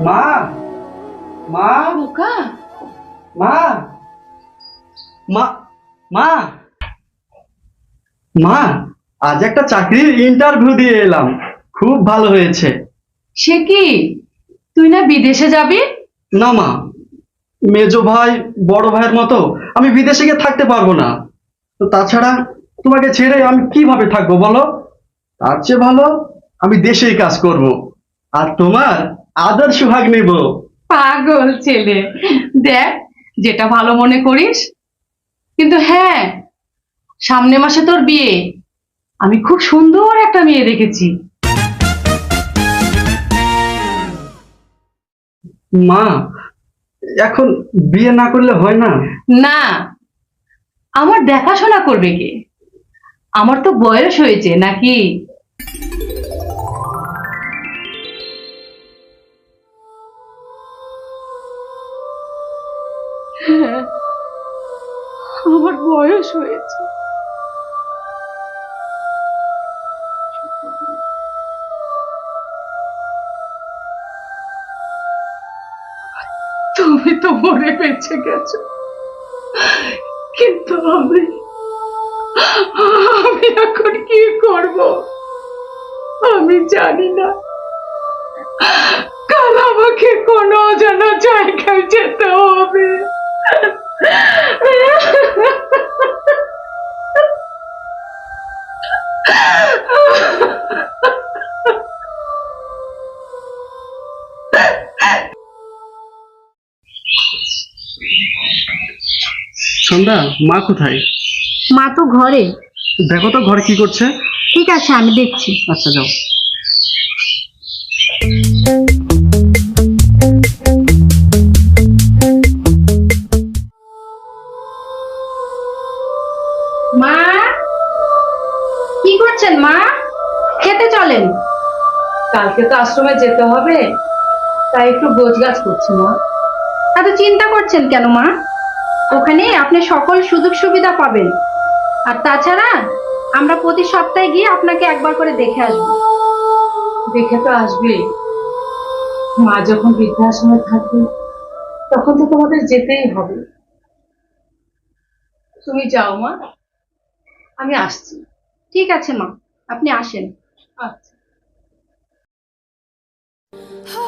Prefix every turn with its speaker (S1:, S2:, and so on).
S1: মা মা
S2: খোকা,
S1: মা মা মা মা আজ একটা চাকরির ইন্টারভিউ দিয়ে এলাম, খুব ভালো হয়েছে।
S2: সে কি, তুই না বিদেশে যাবি?
S1: না মা, মেজো ভাই বড় ভাইয়ের মতো আমি বিদেশে গিয়ে থাকতে পারবো না। তো তাছাড়া তোমাকে ছেড়ে আমি কিভাবে থাকবো বলো? তার চেয়ে ভালো আমি দেশেই কাজ করব, আর তোমার আদর সুহাগ নেব।
S2: পাগল ছেলে, দেখ যেটা ভালো মনে করিস। কিন্তু হ্যাঁ, সামনে মাসে তোর বিয়ে। আমি খুব সুন্দর একটা মেয়ে দেখেছি।
S1: মা, এখন বিয়ে না করলে হয় না?
S2: না, আমার দেখাশোনা করবে কে? আমার তো বয়স হয়েছে নাকি? হ্যাঁ, আমার বয়স হয়েছে। তুমি তো মরে বেঁচে গেছো, কিন্তু আমি আমি এখন কি করব আমি জানি না। কাল আমাকে কোনো অজানা জায়গায় যেতে হবে।
S1: সন্ধ্যা, মা কোথায়?
S3: মা তো ঘরে।
S1: দেখো তো ঘরে কি করছে।
S3: ঠিক আছে, আমি দেখছি।
S1: আচ্ছা যাও।
S3: মা, কি করছেন মা? খেতে চলেন।
S2: কালকে তো আশ্রমে যেতে হবে, তাই একটু গোছগাছ করছি মা।
S3: এত চিন্তা করছেন কেন মা? ওখানে আপনি সকল সুযোগ সুবিধা পাবেন। আর তাছাড়া আমরা প্রতি সপ্তাহে গিয়ে আপনাকে একবার করে দেখে আসবো।
S2: দেখে তো আসবে, মা যখন বৃদ্ধাশ্রমে থাকবে তখন তো তোমাদের যেতেই হবে। তুমি যাও মা, আমি আসছি।
S3: ঠিক আছে মা, আপনি আসেন।
S2: আচ্ছা।